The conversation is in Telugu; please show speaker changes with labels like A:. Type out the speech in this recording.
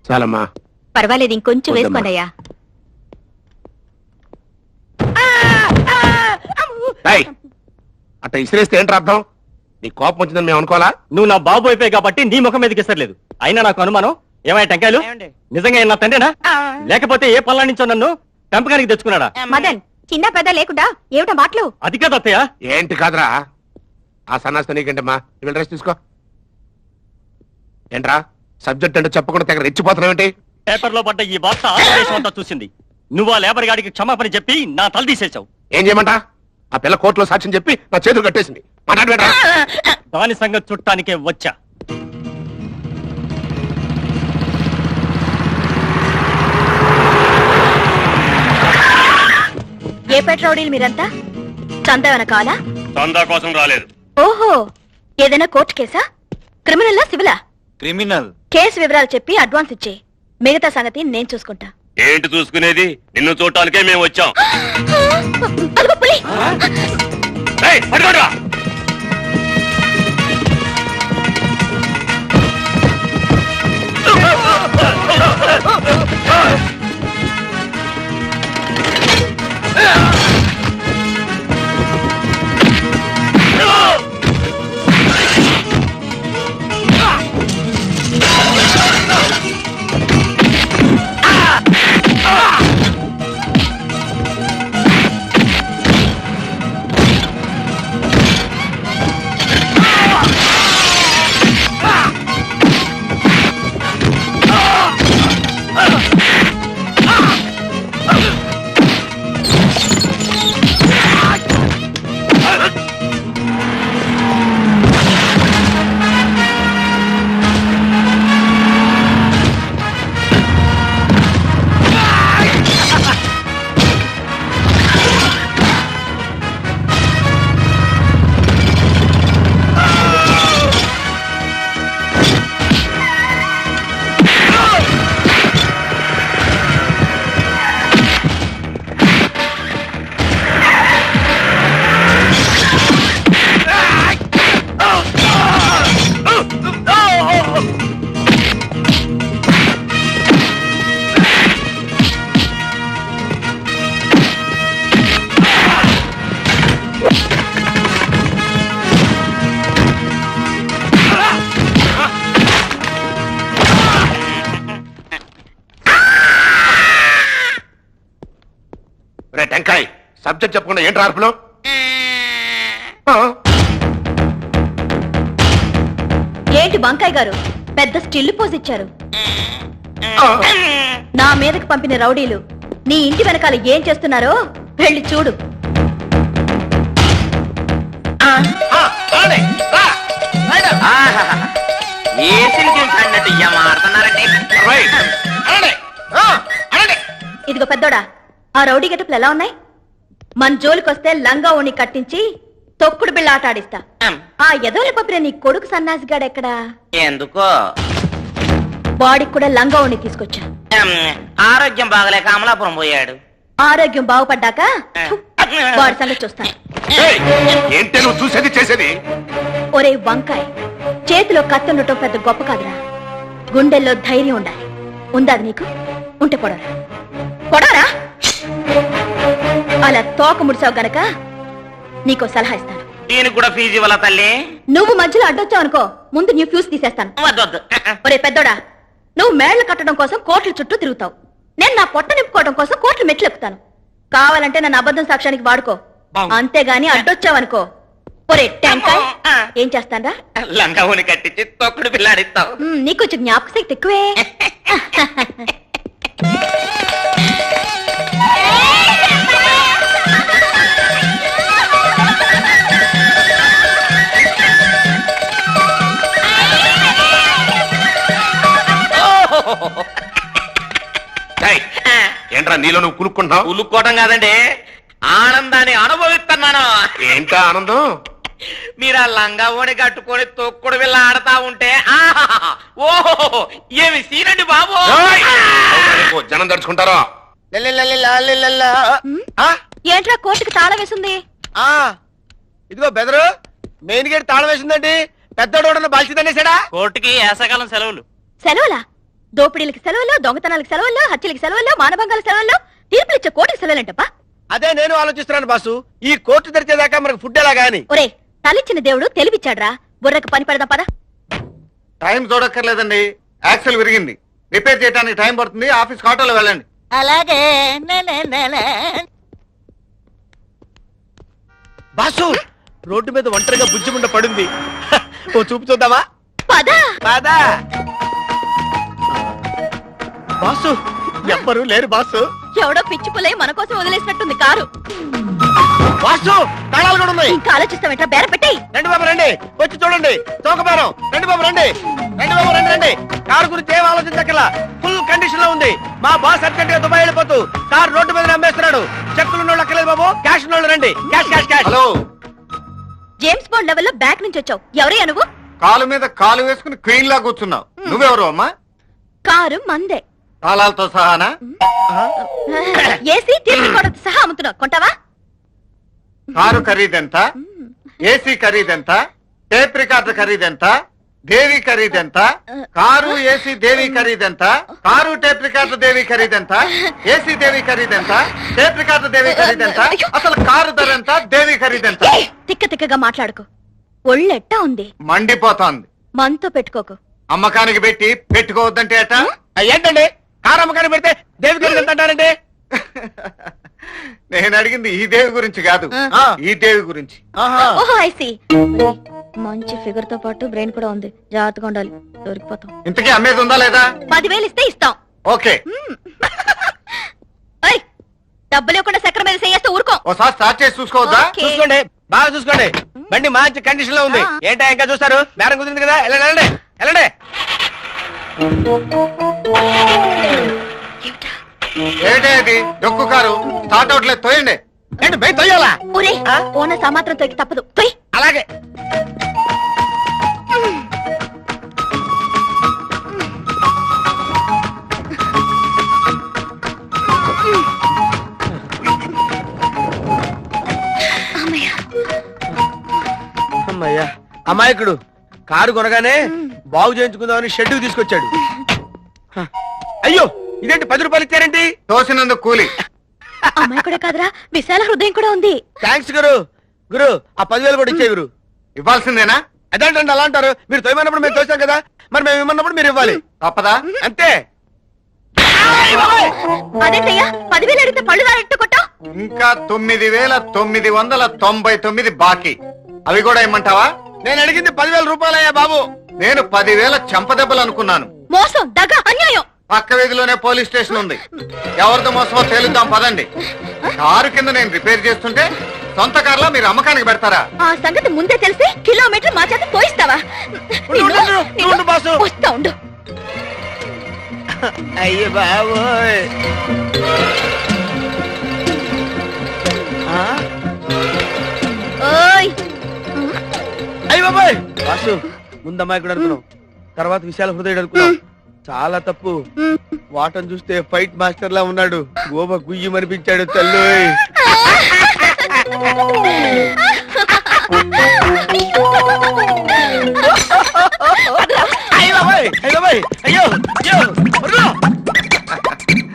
A: చాలమ్మా.
B: పర్వాలేదు, ఇంకొంచెం
A: వద్దమ్మా.
B: వేసుకోండి అయ్యా.
A: ఏయ్, అట్ట ఇసిరేస్తే ఏంటి అర్థం? నీ కోపం వచ్చిందని మేము అనుకోవాలా?
C: నువ్వు నా బాబు అయిపోయి కాబట్టి నీ ముఖం మీదకి ఇస్తలేదు. అయినా నాకు అనుమానం, ఏమైనా టెంకాయలు నిజంగా నా తండ్రినా లేకపోతే ఏ పనుల నుంచో నన్ను పెంపకానికి తెచ్చుకున్నాడా?
B: మదన్, చిన్న పెద్ద లేకుండా ఏమిటా మాటలు?
C: అది కాదు అత్తయ్య.
A: ఏంటి కాదురా, ఆ సన్నాస్త నీకేంటమ్మా? నువ్వు రెస్ట్ తీసుకో. ఏంట్రా సబ్జెక్ట్ అంటే చెప్పకుండా తెగ రెచ్చిపోతున్నావేంటి?
C: పేపర్ లో పడ్డ ఈ వార్త ఆంధ్రదేశం అంతా చూసింది. నువ్వు ఆ లేబర్ గాడికి క్షమాపణ చెప్పి నా తల తీసేశావు.
A: ఏం చేయమంటా? ఆ పిల్ల కోర్టులో సాక్ష్యం చెప్పి నా చేతులు కట్టేసింది. మాట్లాడబెట్రా.
C: దాని సంగతి చుట్టానికే వచ్చా.
B: ఏ పెట్రోడీలు మీరంతా? చందా వెనకాలా?
C: చందా కోసం రాలేదు.
B: ఓహో, ఏదైనా కోర్టు కేసా? క్రిమినల్లా సివిలా?
D: క్రిమినల్.
B: కేసు వివరాలు చెప్పి అడ్వాన్స్ ఇచ్చే, మిగతా సంగతి నేను చూసుకుంటా.
C: ఏంటి చూసుకునేది? నిన్ను చూడటానికే మేము వచ్చాం.
B: అదిగో పులి!
C: ఏయ్, పట్టుకోండిరా.
A: టెంకాయ్ సబ్జెక్ట్ చెప్పకుండా ఏంటి అర్పులు?
B: ఏంటి బంకాయ్ గారు పెద్ద స్టిల్ పోజ్ ఇచ్చారు? నా మీదకి పంపిన రౌడీలు నీ ఇంటి వెనకాల ఏం చేస్తున్నారో వెళ్ళి చూడు. ఇదిగో పెద్దోడా, ఆ రౌడీ గెటప్లు ఎలా ఉన్నాయి? మన జోలికొస్తే లంగా ఓణి కట్టించి తొక్కుడు బిళ్ళ ఆట ఆడిస్తా. ఆ ఎదోల పప్పిన నీ కొడుకు సన్నాసిగాడెక్కడా?
E: ఎందుకో
B: బాడీకి కూడా లంగా ఓణి తీసుకొచ్చా.
E: ఆరోగ్యం బాగలేక అమలాపురం పోయాడు.
B: ఆరోగ్యం బాగుపడ్డాక వాడి సంగతి చూస్తాను.
A: ఏంటి నువ్వు చూసేది చేసేది?
B: ఒరే వంకాయ్, చేతిలో కత్తి ఉండటం పెద్ద గొప్ప కాదురా. గుండెల్లో ధైర్యం ఉండాలి. ఉందా నీకు? ఉంటే పొడరా పొడరా. అలా తోక ముడిసావు గనక నీకో సలహా ఇస్తాను.
E: దీనికి కూడా ఫీజు ఇవ్వాల తల్లి?
B: నువ్వు మధ్యలో అడ్డొచ్చావు అనుకో, ముందు నీ ఫ్యూజ్ తీసేస్తాను.
E: వద్దొద్దు.
B: ఒరే పెద్దోడా, నువ్వు మేళ్లు కట్టడం కోసం కోట్ల చుట్టూ తిరుగుతావు. నేను నా పొట్ట నింపుకోవడం కోసం కోట్లు మెట్లు ఎక్కుతాను. కావాలంటే నన్ను అబద్ధం సాక్ష్యానికి వాడుకో, అంతేగాని అడ్డొచ్చావనుకో ఒరే టెంకాయ్ ఏం చేస్తానరా?
E: లంగా ఊని కట్టించి తొక్కుడు పిల్లాడిస్తావు.
B: నీకు కొంచెం జ్ఞాపక శక్తి ఎక్కువే.
A: ఏంట్రా నీలో నువ్వు కులుక్కుంటున్నావు?
E: ఉలుక్కోవటం కాదండి, ఆనందాన్ని అనుభవిస్తున్నాను.
A: ఏంటా ఆనందం?
E: మీరు ఆ లంగా ఓని కట్టుకొని తొక్కుడు పిల్ల ఆడతా ఉంటే ఓహో ఏమి సీనండి బాబు.
A: జనం తడుచుకుంటారో.
B: ఏంట్రా కోర్టుకి తాళం వేసింది?
D: ఇదిగో బెదరు, మెయిన్ గేట్ తాళం వేసిందండి. పెద్దోడు బాల్చిందనేసాడా?
C: కోర్టుకి వేసవకాలం సెలవులు.
B: సెలవులా? దోపిడీలకి సెలవుల్లో, దొంగతనాలకు సెలవుల్లో, హత్యలకి సెలవుల్లో, మానభంగాల సెలవుల్లో, తీర్పులు ఇచ్చే కోర్టుకి సెలవులంటప్పా.
D: అదే నేను ఆలోచిస్తున్నాను బాసు, ఈ కోర్టు తెరిచేదాకా మనకు ఫుడ్ ఎలా గాని.
B: ఒరే, తలిచ్చిన దేవుడు తెలివిచ్చాడ్రా, బుర్రకు పని పెడదాం పదా.
F: టైం చూడక్కర్లేదండి, యాక్సిల్ విరిగింది, రిపేర్ చేయడానికి టైం పడుతుంది. ఆఫీస్ ఆటోలో వెళ్ళండి.
G: అలాగే
D: బాసు రోడ్డు మీద ఒంటరిగా బుజ్జిముండ పడింది. ఓ చూపు చూద్దామా?
B: పదా.
D: బాదా బాసు, ఎవ్వరు లేరు బాసు.
B: ఎవడో పిచ్చి పులై మన కోసం వదిలేసినట్టుంది కారు.
D: బాసు తాళాలు కూడా ఉన్నాయి.
B: ఇంకా ఆలోచిస్తావేంట్రా, బేర పెట్టి.
D: రండి బాబు రండి, వచ్చి చూడండి చౌకబేరం. రండి బాబు రండి, రండి బాబు రండి రండి. కారు గురించి ఏం ఆలోచించక్కర్లా, ఫుల్ కండిషన్ లో ఉంది. మా బాస్ అర్జెంట్ గా దుబాయ్ వెళ్ళిపోతూ కారు రోడ్డు మీద అమ్మేస్తున్నాడు. చెక్కులు ఉన్నోళ్ళు అక్కర్లేదు బాబు, క్యాష్ ఉన్నోళ్ళు రండి. Cash cash cash.
F: Hello,
B: James Bond లెవెల్లో బ్యాక్ నుంచి వచ్చావు. ఎవరయ్యా నువ్వు?
F: కాలు మీద కాలు వేసుకుని క్వీన్ లా కూర్చున్నావు. నువ్వెవరు అమ్మా?
B: కారు మందే,
F: తాళాలతో సహానా?
B: ఏసీ తీర్చుకోవడంతో సహా అమ్ముతున్నావు. కొంటావా?
F: కారు ఖరీదెంత? ఏసీ ఖరీదెంత? టేప్ రికార్డర్ ఖరీదెంత? దేవి ఖరీదెంత? కారు ఏసీ దేవి ఖరీదెంత? కారు టేప్ రికార్డర్ దేవి ఖరీదెంత? ఏసీ దేవి ఖరీదెంత? టేప్ రికార్డర్ దేవి ఖరీదెంత? అసలు కారు ధర ఎంత? దేవి ఖరీదెంత?
B: ఏయ్, తిక్క తిక్కగా మాట్లాడుకో. ఒళ్ళెట్టా ఉంది,
F: మండిపోతోంది.
B: మనతో పెట్టుకోకు.
F: అమ్మకానికి పెట్టి పెట్టుకోవద్దంటే అట.
D: ఏంటండి కారు అమ్మకాన్ని పెడితే దేవి గారికి ఎంత అంటారండి?
F: నేను అడిగింది ఈ దేవి గురించి కాదు, ఈ దేవి గురించి.
B: ఓహో ఐసి. మంచి ఫిగర్ తో పాటు బ్రెయిన్ కూడా ఉంది, జాగ్రత్తగా ఉండాలి, దొరికిపోతాం.
F: ఇంతకీ అమ్మేది ఉందా లేదా?
B: 10,000 ఇస్తే ఇస్తాం.
F: ఓకే,
B: ఏయ్, డబ్బులు ఇవ్వకుండా చక్రం మీద చేస్తే ఊరుకో.
F: ఓసారి స్టార్ట్ చేసి చూసుకోవద్దా?
B: ఓకే.
D: చూసుకోండి, బాగా చూసుకోండి. బండి మంచి కండిషన్ లో ఉంది. ఏంటా ఇంకా చూస్తారు? బేరం కుదిరింది కదా, వెళ్ళండి వెళ్ళండి వెళ్ళండి.
F: ఏంటే అది డొక్కు కారు స్టార్ట్ అవట్లేదు, తోయండి.
D: ఏంటి బయట తొయ్యాలా?
B: ఒరే,
D: ఆ?
B: ఓనర్ మాత్రం తొక్కి తప్పదు. తొయ్.
D: అలాగే. అమ్మయ్యా, అమాయకుడు కారు కొనగానే బాగు చేయించుకుందామని షెడ్యూల్ తీసుకొచ్చాడు. అయ్యో, ఇదేంటి 10 రూపాయలు ఇచ్చారేంటి?
F: తోసినందుకు కూలి.
B: అమ్మాయి కూడా కాదురా, విశాల హృదయం కూడా ఉంది.
D: థ్యాంక్స్ గురు. గురు, ఆ 10,000 కూడా ఇచ్చే గురు.
F: ఇవ్వాల్సిందేనా?
D: అదేంటండి అలా అంటారు? మీరు తోయమన్నప్పుడు మేము తోసాం కదా, మరి మేము ఇమ్మన్నప్పుడు మీరు ఇవ్వాలి.
F: తప్పదా?
D: అంతే.
B: అదేంటయ్యా, 10,000 అడిగితే పళ్ళు దారెట్టు కొట్టావు.
F: ఇంకా 9,999 బాకీ, అవి కూడా ఇమ్మంటావా?
D: నేను అడిగింది 10,000 రూపాయలయ్యా బాబు.
F: నేను 10,000 చెంపదెబ్బలు అనుకున్నాను.
B: మోసం, దగ్గ, అన్యాయం.
F: పక్క వీధిలోనే పోలీస్ స్టేషన్ ఉంది, ఎవరితో మోసమో తేలుద్దాం పదండి. కారు కింద నేను రిపేర్ చేస్తుంటే సొంత కార్లో మీరు అమ్మకానికి పెడతారా?
B: ఆ సంగతి ముందే తెలిసి కిలోమీటర్ మా చేత పోయిస్తావా?
D: ఉండు బాసు.
B: వస్తా ఉండు.
D: అయ్యో బాబోయ్.
B: ఓయ్,
D: అయ్య బాబోయ్. బాసు, ముందమ్మాయి కూడా అనుకున్నాం, తర్వాత విశాల హృదయుడు అనుకున్నాం. చాలా తప్పు. వాటం చూస్తే ఫైట్ మాస్టర్ లా ఉన్నాడు. గోబ గుయ్యమనిపించాడు తల్లి.